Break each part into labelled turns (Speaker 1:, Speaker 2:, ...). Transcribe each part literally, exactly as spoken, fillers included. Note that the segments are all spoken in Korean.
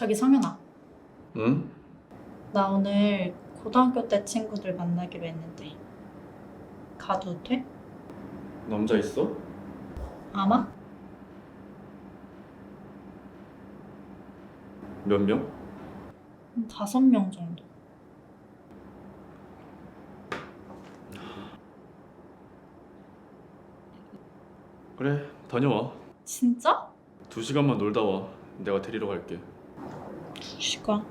Speaker 1: 저기 성현아,
Speaker 2: 응?
Speaker 1: 나 오늘 고등학교 때 친구들 만나기로 했는데 가도 돼?
Speaker 2: 남자 있어?
Speaker 1: 아마?
Speaker 2: 몇 명?
Speaker 1: 한 다섯 명 정도.
Speaker 2: 그래, 다녀와.
Speaker 1: 진짜?
Speaker 2: 두 시간만 놀다 와. 내가 데리러 갈게.
Speaker 1: 두 시간?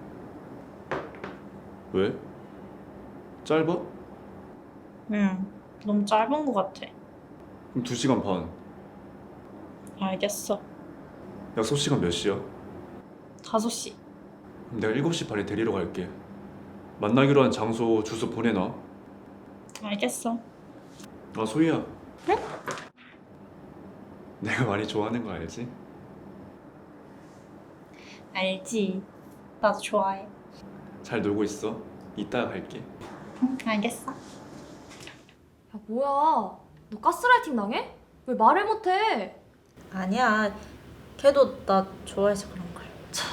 Speaker 2: 왜? 짧아?
Speaker 1: 응, 너무 짧은 것 같아.
Speaker 2: 그럼 두 시간 반.
Speaker 1: 알겠어.
Speaker 2: 약속 시간 몇 시야?
Speaker 1: 다섯 시.
Speaker 2: 그럼 내가 일곱 시 반에 데리러 갈게. 만나기로 한 장소, 주소 보내놔.
Speaker 1: 알겠어.
Speaker 2: 아, 소희야.
Speaker 1: 응?
Speaker 2: 내가 많이 좋아하는 거 알지?
Speaker 1: 알지. 나도 좋아해.
Speaker 2: 잘 놀고 있어. 이따가 갈게.
Speaker 1: 응, 알겠어.
Speaker 3: 야 뭐야, 너 가스라이팅 당해? 왜 말을 못해?
Speaker 1: 아니야. 걔도 나 좋아해서 그런 걸.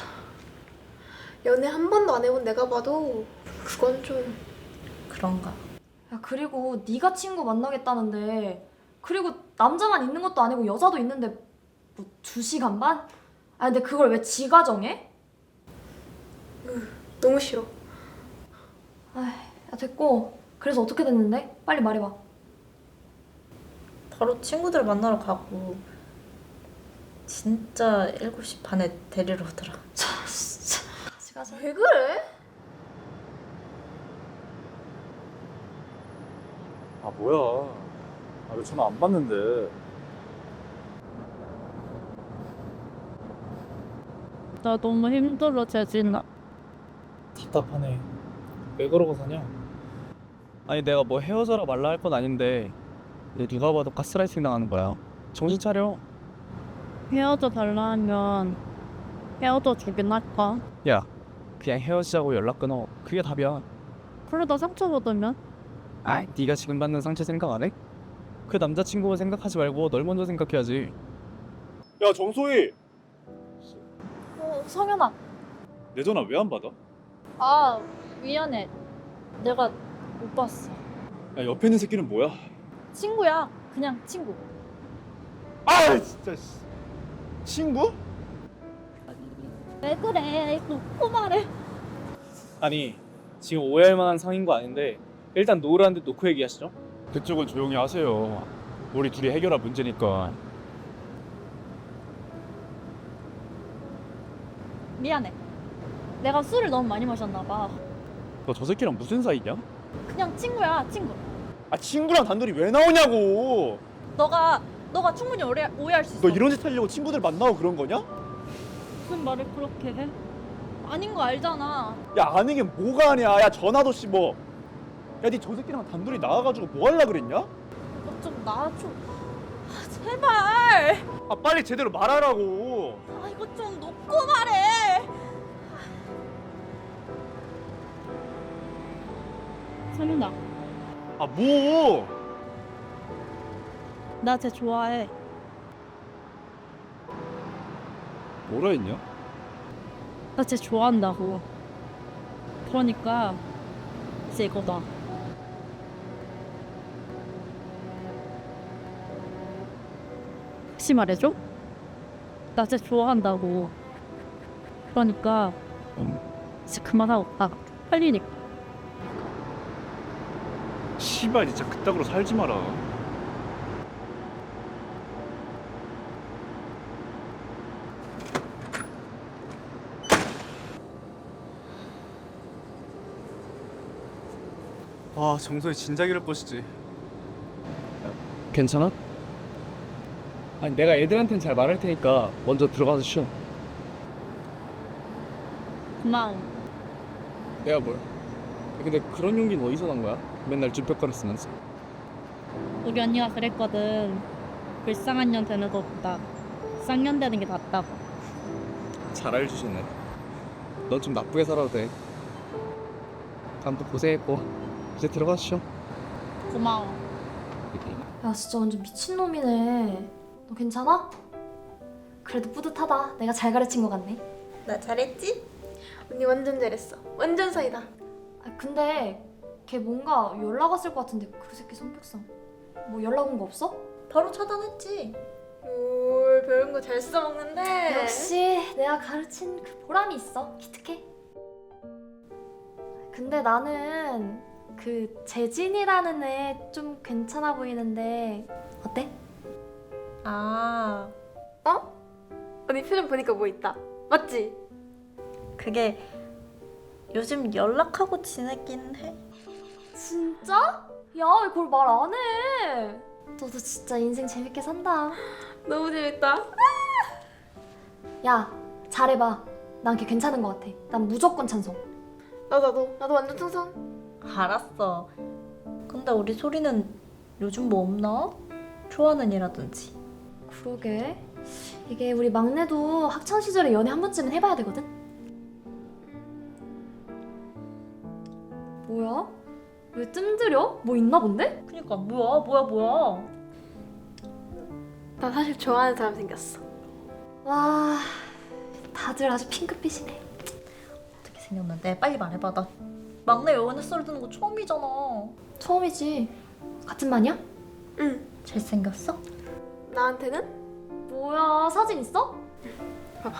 Speaker 4: 연애 한 번도 안 해본 내가 봐도 그건 좀...
Speaker 1: 그런가.
Speaker 3: 야 그리고 네가 친구 만나겠다는데, 그리고 남자만 있는 것도 아니고 여자도 있는데 뭐 두 시간 반? 아 근데 그걸 왜 지가 정해?
Speaker 4: 너무 싫어.
Speaker 3: 아이, 야 됐고, 그래서 어떻게 됐는데? 빨리 말해봐.
Speaker 1: 바로 친구들 만나러 가고 진짜 일곱 시 반에 데리러 오더라.
Speaker 3: 같이 가자.
Speaker 4: 왜 그래?
Speaker 5: 아 뭐야? 아 왜 전화 안 받는데?
Speaker 6: 나 너무 힘들어, 재진아.
Speaker 7: 답답하네. 왜 그러고 사냐? 아니 내가 뭐 헤어져라 말라 할 건 아닌데 얘 누가 봐도 가스라이팅 당하는 거야. 정신 차려.
Speaker 6: 헤어져 달라 하면 헤어져 주긴 할까?
Speaker 7: 야, 그냥 헤어지자고 연락 끊어. 그게 답이야.
Speaker 6: 그러다 상처받으면?
Speaker 7: 아, 네가 지금 받는 상처 생각 안 해? 그 남자친구 생각하지 말고 널 먼저 생각해야지.
Speaker 5: 야 정소희,
Speaker 6: 어, 성현아.
Speaker 5: 내 전화 왜 안 받아?
Speaker 6: 아, 미안해. 내가 못 봤어.
Speaker 5: 야 옆에 있는 새끼는 뭐야?
Speaker 6: 친구야. 그냥 친구.
Speaker 5: 아 진짜 씨. 친구?
Speaker 6: 왜 그래? 놓고 말해.
Speaker 7: 아니 지금 오해할 만한 상인 거 아닌데 일단 노을한 데 놓고 얘기하시죠.
Speaker 5: 그쪽은 조용히 하세요. 우리 둘이 해결할 문제니까.
Speaker 6: 미안해. 내가 술을 너무 많이 마셨나 봐.
Speaker 5: 너 저 새끼랑 무슨 사이냐?
Speaker 6: 그냥 친구야, 친구.
Speaker 5: 아 친구랑 단둘이 왜 나오냐고.
Speaker 6: 너가 너가 충분히 오해, 오해할 수 있어.
Speaker 5: 너 이런 짓 하려고 친구들 만나고 그런 거냐?
Speaker 6: 무슨 말을 그렇게 해? 아닌 거 알잖아.
Speaker 5: 야 아는 게 뭐가 아니야. 야 전화도 씹어. 야 니 저 새끼랑 단둘이 나와가지고 뭐 할라 그랬냐?
Speaker 6: 이거 좀 놔줘. 아, 제발.
Speaker 5: 아 빨리 제대로 말하라고.
Speaker 6: 아, 이거 좀 놓고 말해. 성윤아,
Speaker 5: 아 뭐?
Speaker 6: 나 쟤 좋아해.
Speaker 5: 뭐라 했냐?
Speaker 6: 나 쟤 좋아한다고. 그러니까 이제 이거다. 다시 말해줘? 나 쟤 좋아한다고. 그러니까 이제 그만하고 가. 빨리니까.
Speaker 5: 씨발 진짜 그따구로 살지 마라.
Speaker 7: 아, 정소희 진작 이럴 것이지. 괜찮아? 아니 내가 애들한텐 잘 말할 테니까 먼저 들어가서 쉬어.
Speaker 6: 고마워.
Speaker 7: 내가 뭘? 근데 그런 용기는 어디서 난 거야? 맨날 쭈뼛거리 쓰면서.
Speaker 6: 우리 언니가 그랬거든. 불쌍한 년 되는 것보다 쌍년 되는 게 낫다고.
Speaker 7: 잘 알려주시네. 넌 좀 나쁘게 살아도 돼. 다음도 고생했고 이제 들어가서 쉬어.
Speaker 6: 고마워.
Speaker 3: 야 진짜 완전 미친놈이네. 너 괜찮아? 그래도 뿌듯하다. 내가 잘 가르친 것 같네.
Speaker 1: 나 잘했지?
Speaker 4: 언니 완전 잘했어. 완전 사이다.
Speaker 3: 아, 근데 걔 뭔가 연락 왔을 것 같은데 그 새끼 성격상 뭐 연락 온 거 없어?
Speaker 1: 바로 차단했지.
Speaker 4: 뭘 배운 거 잘 써먹는데.
Speaker 3: 역시 내가 가르친 그 보람이 있어. 기특해. 근데 나는 그 재진이라는 애 좀 괜찮아 보이는데 어때?
Speaker 1: 아,
Speaker 4: 언니 표정 보니까 뭐 있다. 맞지?
Speaker 1: 그게 요즘 연락하고 지내긴 해.
Speaker 3: 진짜? 야, 왜 그걸 말 안 해? 너도 진짜 인생 재밌게 산다.
Speaker 4: 너무 재밌다.
Speaker 3: 야, 잘해봐. 난 걔 괜찮은 것 같아. 난 무조건 찬성.
Speaker 4: 나 나도 나도 완전 충성.
Speaker 1: 알았어. 근데 우리 소리는 요즘 뭐 없나? 좋아하는 일하든지.
Speaker 3: 그러게. 이게 우리 막내도 학창 시절에 연애 한 번쯤은 해봐야 되거든. 뭐야? 왜 뜸들여? 뭐 있나 본데?
Speaker 1: 그니까 뭐야 뭐야 뭐야.
Speaker 4: 나 사실 좋아하는 사람 생겼어.
Speaker 3: 와, 다들 아주 핑크빛이네.
Speaker 1: 어떻게 생겼는데? 빨리 말해봐. 나 막내 연애 썰 듣는 거 처음이잖아.
Speaker 3: 처음이지. 같은 반이야?
Speaker 4: 응.
Speaker 1: 잘생겼어?
Speaker 4: 나한테는?
Speaker 3: 뭐야, 사진 있어?
Speaker 4: 봐봐.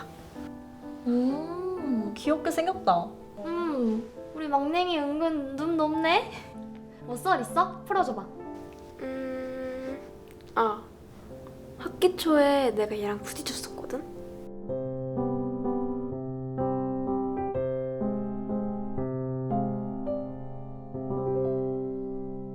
Speaker 3: 음,
Speaker 1: 귀엽게 생겼다.
Speaker 3: 음, 우리 막냉이 은근 눈 높네. 뭐 썰 있어? 풀어줘봐.
Speaker 4: 음. 아. 학기 초에 내가 얘랑 부딪혔어.